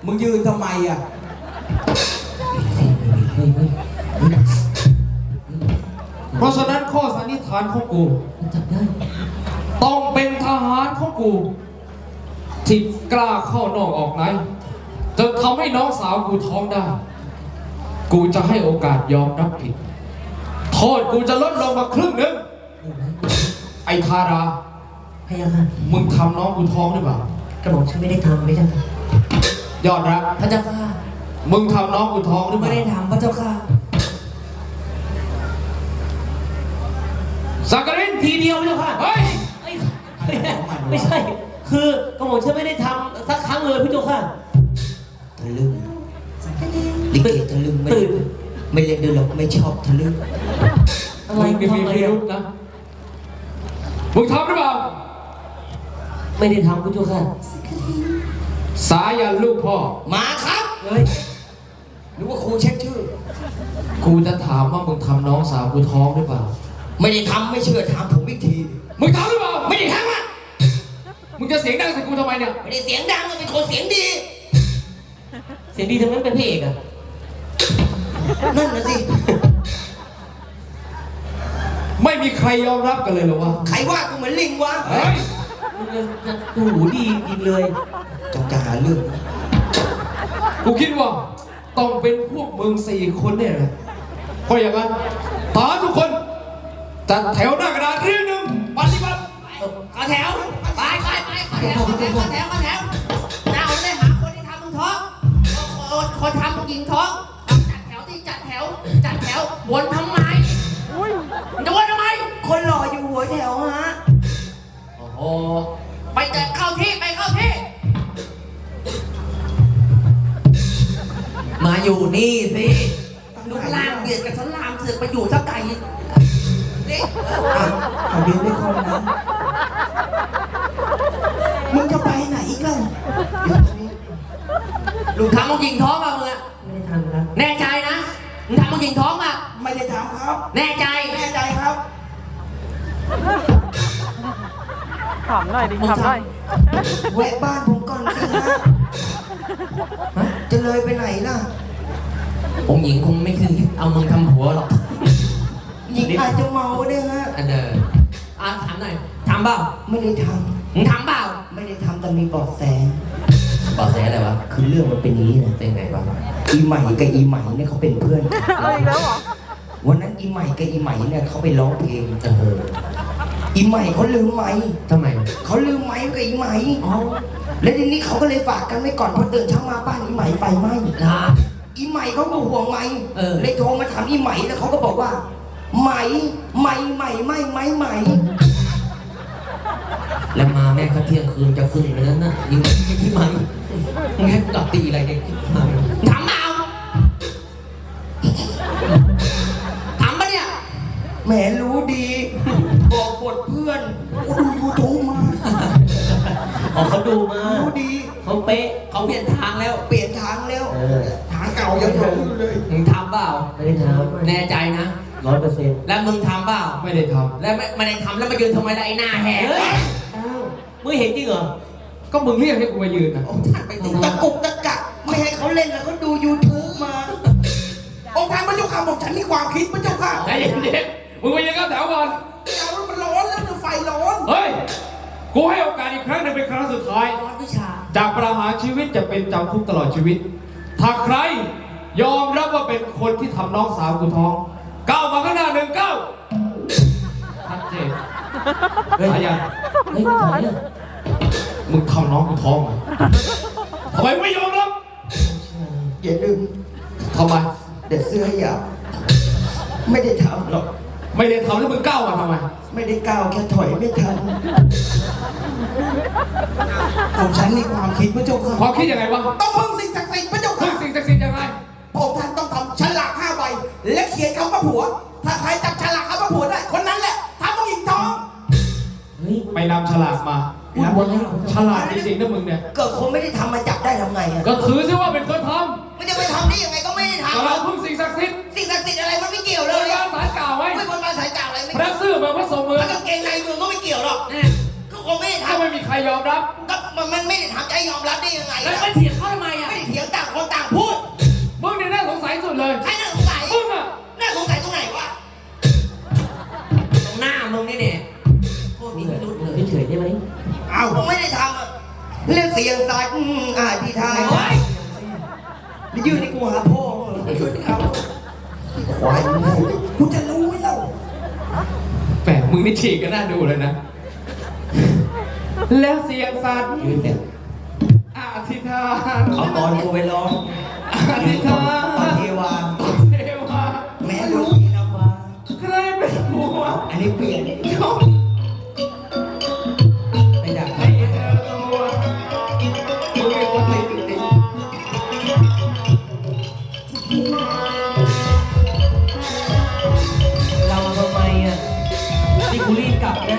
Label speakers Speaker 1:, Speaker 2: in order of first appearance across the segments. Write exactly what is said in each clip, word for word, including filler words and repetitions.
Speaker 1: มึงยืนทำไมอ่ะ
Speaker 2: เพราะฉะนั้นข้อสันนิษฐานของกูต้องเป็นทหารของกูที่กล้าเข้านอกออกในจนทำให้น้องสาวกูท้องได้กูจะให้โอกาสยอมรับผิดโทษกูจะลดลงมาครึ่งหนึ่งไอ้ทารา
Speaker 3: พยาค่ะ
Speaker 2: มึงทำน้องกูท้องหรือเปล่าก
Speaker 3: ระบอกฉันไม่ได้ทำไม่ใช่ค่ะ
Speaker 2: ยอดรัก
Speaker 3: พระเจ้าค่ะ
Speaker 2: มึงทำน้องกูท้องหรือเปล่า
Speaker 3: ไม่ได้ทำพระเจ้าค่ะ
Speaker 2: สักกริน
Speaker 3: ทีเดียวพระเจ้าค่ะ
Speaker 2: เฮ้ย
Speaker 3: ไม่ใช่คือกระบอกฉันไม่ได้ทำสักครั้งเลยพระเจ้าค่ะ
Speaker 1: ทะลึ่งลิเกทะลึ่งไม่ไม่เล่นด้วยหรอกไม่ชอบทะลึ่ง
Speaker 3: อะไร
Speaker 2: มึงมีพิรุธนะมึงทำหรือเปล่า
Speaker 3: ไม่ได้ทำพระเจ้าค่ะ
Speaker 2: สายันลูกพ่อ
Speaker 1: มาครับ
Speaker 3: เฮ้ย
Speaker 1: หรือว่าครูเช็คชื่อ
Speaker 2: กูจะถามว่ามึงทำน้องสาวกูท้องหรือเปล่า
Speaker 1: ไม่ได้ทำไม่เชื่อถามผมอีกที
Speaker 2: มึงทำหรือเปล่า
Speaker 1: ไม่ได้ทำอ่ะ
Speaker 2: มึงจะเสียงดังใส่กูทำไมเนี่ย
Speaker 1: ไม่ได้เสียงดังเลยเป็นคนเสียงดี
Speaker 3: เสียงดีทำไมเป็นพระเอกอ่ะ
Speaker 1: นั่นนะสิ
Speaker 2: ไม่มีใครยอมรับกันเลยหรอวะ
Speaker 1: ใครว่ากูเหมือนลิงวะ
Speaker 2: เฮ้ย
Speaker 3: มึงจะหูดีจริงเลย
Speaker 1: จงจะหาเรื่อง
Speaker 2: กูคิดว่าต้องเป็นพวกมึงสี่คนเนี่ยนะเพราะอย่างนั้นทหารทุกคนจัดแถวหน้ากระดานเรียงหนึ่งปฏิบัติ
Speaker 1: ขอแถวไปไปไปขอแถวขอแถวขอแถวขอแถวเราได้หาคนที่ทำมึงท้องคนทำมึงหญิงท้องจัดแถวที่จัดแถวจัดแถววนทำไมจะวนทำไมคนรออยู่หัวแถวฮะ
Speaker 2: โอ้โห
Speaker 1: ไปจัดเข้าที่ไปเข้าที่มาอยู่นี่สิลูกล่างเบียดกับฉันลามเสือกไปอยู่สักไก่นี่เขาเดินไม่ค่อยนะมึงจะไปไหนอีกล่ะลูกทำมึงยิงท้องมามึงอะ
Speaker 3: ไม่ได้ทำครับ
Speaker 1: แน่ใจนะมึงทำมึงยิงท้องอะไม่ได้ทำครับแน่ใจแน่ใจครับ
Speaker 4: ถามหน่อยดิถามหน่อย
Speaker 1: แวะบ้านผมก่อนสิฮะจะเลยไปไหนล่ะ
Speaker 3: องค์หญิงคงไม่คือเอามึงทำหัวหรอก
Speaker 1: หญิงอาจจะเมาเนี่ยฮะ
Speaker 3: อันเดอร์อ่ะถามหน่อยทำเปล่า
Speaker 1: ไม่ได้ท
Speaker 3: ำมึงทำเปล่า
Speaker 1: ไม่ได้ทำแต่มีเบาะแส
Speaker 3: เบาะแสอะไรวะ
Speaker 1: คือเรื่องมันเป็นนี้นะ
Speaker 3: เป็นไงวะ
Speaker 1: อีใหม่กับอีใหม่เนี่ยเขาเป็นเพื่อน
Speaker 4: เอาอีกแล้วเหรอ
Speaker 1: วันนั้นอีใหม่กับอีใหม่เนี่ยเขาไปร้องเพลง
Speaker 3: เออ
Speaker 1: อีใหม่เขาลืมไม้
Speaker 3: ทำไม
Speaker 1: เขาลืมไม้กับอีใหม่อ๋อแล้วทีนี้เขาก็เลยฝากกันไว้ก่อนพอตื่นเช้ามาบ้านอีใหม่ไฟไหม้
Speaker 3: นะ
Speaker 1: อีใหม่เขาก็ห่วงไม้
Speaker 3: เออ
Speaker 1: เลยโทรมาถามอีใหม่แล้วเขาก็บอกว่าไหมไหมไหมไหมไหมไหม
Speaker 3: แล้วมาแม่ก็เที่ยงคืนจะขึ้นไปแล้วนะยิ่งที่มันมึงให้กลับตีอะไรเนี่ย
Speaker 1: ถามเอาถามปะเนี่ยแหมรู้ดีบอกบทเพื่อนกูดูยูทูบมา
Speaker 3: อ๋อเขาดูมา
Speaker 1: รู้ดี
Speaker 3: เขาเป๊ะเขาเปลี่ยนทางแล้ว
Speaker 1: เปลี่ยนทางแล้วทางเก่ายังหลงอยู่เลย
Speaker 3: มึงทำเปล่าไม่ได้ทำแน่ใจนะร้อยเปอร์เซ็นต์แล้วมึงทำเปล่า
Speaker 2: ไม่ได้ทำ
Speaker 3: แล้วไม่ไม่ได้ทำแล้วมายืนทำไมล่ะไอ้หน้าแหกมึงเห็นจริงเหรอ
Speaker 2: ก็มึงเรียกให้กูมายืนนะ
Speaker 1: ตะกุกตะกักไม่ให้เขาเล่นแล้วเขาดู ยูทูบ มาองค์ท่านพระเจ้าค่ะบอกฉันมีความคิดพระเจ้าค่ะ
Speaker 2: ไอ้เด็กมึงไปยังก็แถวก่อน
Speaker 1: เอามันร้อนแล้วมันไฟร้อน
Speaker 2: เฮ้ยกูให้โอกาสอีกครั้งนึงเป็นครั้งสุดท้าย
Speaker 1: ร้อนวิชา
Speaker 2: จากประหารชีวิตจะเป็นจำคุกตลอดชีวิตถ้าใครยอมรับว่าเป็นคนที่ทำน้องสาวกูท้องก้าวมาข้างหน้าหนึ่งก้าวชัดเจนเฮ้ยยัง
Speaker 3: เฮ้ยไม่ถอยเลย
Speaker 2: มึงทำน้องกูท้องไหมทำไมไม่ยอมรับ
Speaker 1: อย่าลืม
Speaker 2: ทำไม
Speaker 1: เด็ดเสื้อหยาบไม่ได้ทำหรอก
Speaker 2: ไม่ได้ทำแล้วมึงก้าวมาทำไม
Speaker 1: ไม่ได้ก้าวแค่ถอยไม่ทันผมฉันมีความคิดพระเจ้าค่ะ
Speaker 2: ความคิดยังไงวะ
Speaker 1: ต้องพึ่งสิ่งศักดิ์สิทธิ์พระเจ้าค่ะ
Speaker 2: พึ่งสิ่งศักดิ์สิทธิ์ยังไง
Speaker 1: ผมท่านต้องทำฉลากห้าใบและเขียนคำว่าผัวถ้าใครจับฉลากคำว่าผัวได้คนนั้นแหละทำผู้หญิงท้อง
Speaker 2: ไปนำฉลากมาฉลาดจริงๆนะมึงเนี่ย
Speaker 1: เกิดคนไม่ได้ทำมาจับได้ทำไงอ่ะ
Speaker 2: ก็ถือซิว่าเป็นคนทำ
Speaker 1: มันจะไปทำได้ยังไงก็ไม่ได้ทำ
Speaker 2: เราพึ่งสิ่งศักดิ์สิทธิ์
Speaker 1: สิ่งศักดิ์สิทธิ์อะไรมันไม่เกี่ยวเลย
Speaker 2: บนบานสารกล่าวไว้
Speaker 1: ไม่บนบานสารกล่าวอะไรไม่
Speaker 2: พระซื่อมาพระสงฆ์มือ
Speaker 1: ถ้ากางเกงในมือก็ไม่เกี่ยวหรอกก็คงไม่ได้ทำ
Speaker 2: ไม่มีใครยอมรับ
Speaker 1: ก็มันไม่ได้ทำใจยอมรับได้ยังไง
Speaker 3: แล้วไปเถียงเขาทำไมอ่ะ
Speaker 1: ไม่ได้เถียง
Speaker 5: ที่ทาง
Speaker 1: โอ้ย
Speaker 5: นี่ยืนในกูหาพ่อมึงช่วยเอาควายมึงกูจะรู้ไหมเล่า
Speaker 2: แหมมึงนี่ฉีกกันน่าดูเลยนะ แล้วเสียงสัตว์
Speaker 5: ยืนเนี่ย
Speaker 2: อธิษฐาน
Speaker 5: เอาตอนกูไปร้อง
Speaker 2: อธิษฐาน
Speaker 5: ปาเทวา
Speaker 2: เทวา
Speaker 5: แม่รู้ที่นำมา
Speaker 2: ใครเป็นผัว
Speaker 5: อันนี้เปลี่ยน
Speaker 2: เขา
Speaker 5: ไม่อยาก
Speaker 2: ให้เธอตัวมึงเป็นคนติดติด
Speaker 3: เราทำไมอ่ะนี่กูรีบกลับนะ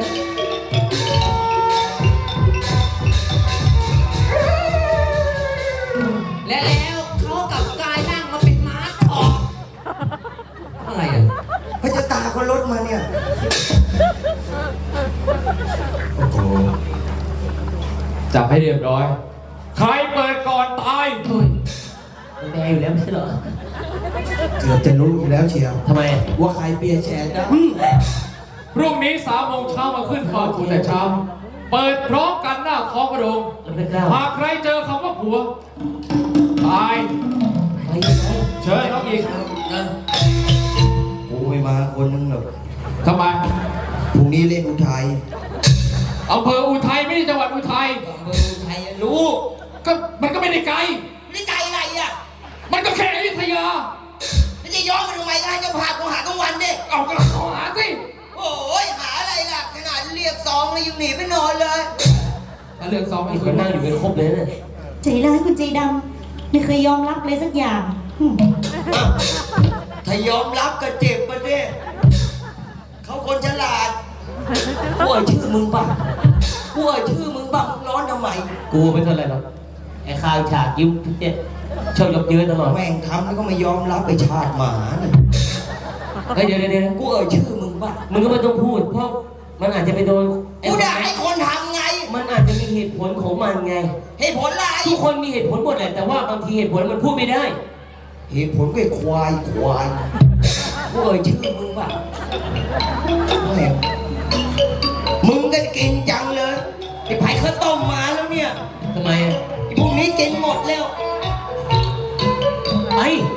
Speaker 1: และแล้วเขากลับกลายร่างมาเป็นม้าทอง
Speaker 3: อะไรอ่ะ
Speaker 5: พระเจ้าตาคนรถมาเนี่ยโอ้โห
Speaker 2: จับให้เรียบร้อย ใครเปิดก่อนตาย
Speaker 3: มันแดงอยู่แล้วไม่ใช่เหรอ
Speaker 5: เกือบจะรู้อยู่แล้วเชียว
Speaker 3: ทำไม
Speaker 5: ว่าใครเปลี่ยนแชร์ได้
Speaker 2: พรุ่งนี้สามโมงเช้ามาขึ้นเฝ้าทูลแต่เช้า เปิดพร้อมกันหน้าท้องพระโรง
Speaker 3: เราไม่กล้า
Speaker 2: หากใครเจอคำว่าผัว ตาย
Speaker 3: ไปยังไง
Speaker 2: เชิญน้องอีก
Speaker 3: เออ
Speaker 5: กูไม่มาคนนึงหรอก
Speaker 2: ทำไม
Speaker 5: พรุ่งนี้เล่นอุทัย
Speaker 2: อำเภออุทัยไม่ใช่จังหวัดอุทัย
Speaker 3: เมืองไทยอะรู้
Speaker 2: ก็มันก็ไม่ได้ไกล
Speaker 5: นี่ใจอะไรอ่ะ
Speaker 2: มันก็แค่อยุธยา
Speaker 5: แล้วจะย้อนมาทำไมก็ให้เจ้าภาพกูหากลางวันดิ
Speaker 2: เอากระขอหาสิ
Speaker 5: โอ้ยหาอะไรล่ะ ขนาดเรียกซองเลยยังหนีไปนอนเลย
Speaker 2: ถ้าเรื่องซ้อม
Speaker 3: มี
Speaker 2: อีก
Speaker 3: ค
Speaker 2: คน น
Speaker 3: นั่
Speaker 2: นั่
Speaker 3: ง
Speaker 2: ง
Speaker 3: อ
Speaker 2: อยู่ ยู่
Speaker 3: เป็นครบเลยเนี่ย
Speaker 6: ใจร้ายคุณใจดำไม่เคยยอมรับเลยสักอย่างหึ่ม
Speaker 5: ถ้ายอมรับก็เจ็บประเด้เขาคนฉลาด
Speaker 3: กูเอาชื่อมึงป่ะกูเอาชื่อมึงป่ะมึงร้อนทำไม กูไม่เท่าไหร่หรอกไอ้ข้าวฉากยิ้มทุกเจ็ดชอบยกเยอะตลอด
Speaker 5: แม่งทำแล้วก็ไม่ยอมรับไปชาติหมาน่ะ
Speaker 3: เฮ้ยเดี๋ยวเดี๋ยวเดี๋ยว
Speaker 5: กูเอ่ยชื่อมึงป่ะ
Speaker 3: มึงก็ไม่ต้องพูดเพราะมันอาจจะไปโดนไอ้
Speaker 5: กู
Speaker 3: คน
Speaker 5: ด่า
Speaker 3: นั้น
Speaker 5: ให้คนทำไง
Speaker 3: มันอาจจะมีเหตุผลของมันไง
Speaker 5: เหตุผลอะไร
Speaker 3: ทุกคนมีเหตุผลหมดแหละแต่ว่าบางทีเหตุผลมันพูดไม่ได้
Speaker 5: เหตุผลก็ไอ้ควายควาย
Speaker 3: กูเอ่ยชื่อมึงป่ะ
Speaker 5: แม่งมึงก็กินจังเลยไอ้ไผ่ข้าวต้มมาแล้วเนี่ย
Speaker 3: ทำไมอ่ะ
Speaker 5: ไอ้พวกนี้กินหมดแล้ว
Speaker 3: ไป